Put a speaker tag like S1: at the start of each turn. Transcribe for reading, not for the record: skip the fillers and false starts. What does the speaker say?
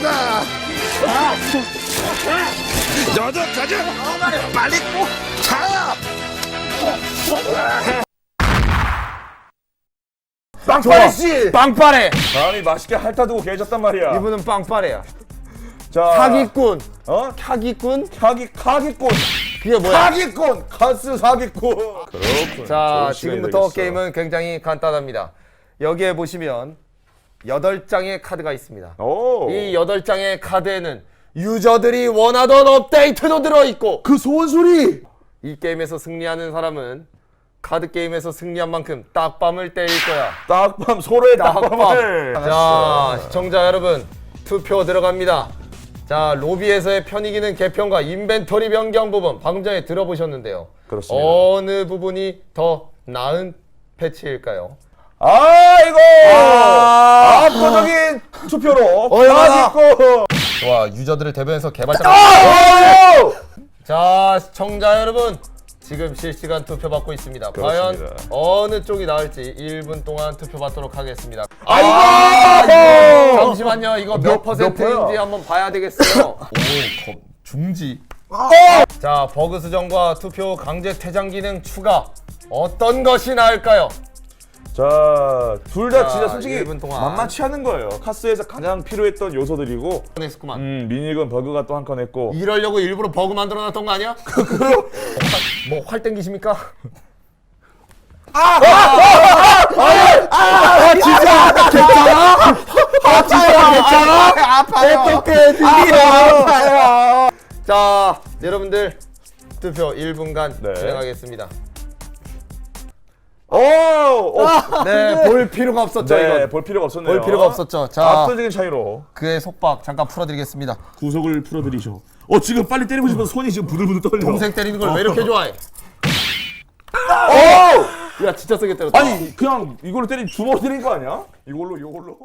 S1: 가자. 너도 가자. 빨리 차.
S2: 빵빠레 씨. 빵빠레.
S3: 사람이 맛있게 핥아두고 계셨단 말이야.
S2: 이분은 빵빠레야.
S3: 자,
S2: 사기꾼.
S3: 사기꾼?
S2: 그게 뭐야?
S3: 사기꾼! 카스 사기꾼! 그렇군.
S2: 자,
S3: 좋은 시간이
S2: 지금부터
S3: 되겠어.
S2: 게임은 굉장히 간단합니다. 여기에 보시면 8장의 카드가 있습니다.
S3: 오.
S2: 이 8장의 카드에는 유저들이 원하던 업데이트도 들어있고
S3: 그 소원소리!
S2: 이 게임에서 승리하는 사람은 카드 게임에서 승리한 만큼 딱밤을 때릴 거야.
S3: 딱밤, 소로의
S2: 딱밤.
S3: 딱밤을!
S2: 자, 시청자 여러분, 투표 들어갑니다. 자, 로비에서의 편익이는 개편과 인벤토리 변경 부분 방금 전에 들어보셨는데요.
S3: 그렇습니다.
S2: 어느 부분이 더 나은 패치일까요?
S3: 아이고! 압도적인 투표로 사기꾼!
S2: 좋아, 유저들을 대변해서 개발자.
S3: 오!
S2: 자, 시청자 여러분, 지금 실시간 투표 받고 있습니다.
S3: 그렇습니다.
S2: 과연 어느 쪽이 나을지 1분 동안 투표 받도록 하겠습니다.
S3: 아이고!
S2: 잠시만요, 이거 몇 퍼센트인지 한번 봐야 되겠어요. 오, 중지. 자, 버그 수정과 투표 강제 퇴장 기능 추가. 어떤 것이 나을까요?
S3: 자, 둘 다
S2: 자,
S3: 진짜 솔직히
S2: 1분 동안.
S3: 만만치 않은 거예요. 카스에서 가장 필요했던 요소들이고,
S2: 했구만.
S3: 미니건 버그가 또 한 건 했고,
S2: 이러려고 일부러 버그 만들어놨던 거 아니야? 뭐 활 땡기십니까? 자, 여러분들 투표 1분간
S3: 네.
S2: 진행하겠습니다.
S3: 오!
S2: 네, 볼 필요가 없었죠,
S3: 네,
S2: 이건.
S3: 볼 필요가 없었네요.
S2: 볼 필요가 없었죠. 자,
S3: 압도적인 차이로.
S2: 그의 속박 잠깐 풀어드리겠습니다.
S3: 구석을 풀어드리셔. 지금 빨리 때리고 싶어서 손이 지금 부들부들 떨려.
S2: 동생 때리는 걸 왜 이렇게 좋아해? 야, 진짜 세게 때렸다.
S3: 아니, 그냥 이걸로 때린 주먹 때린 거 아니야? 이걸로.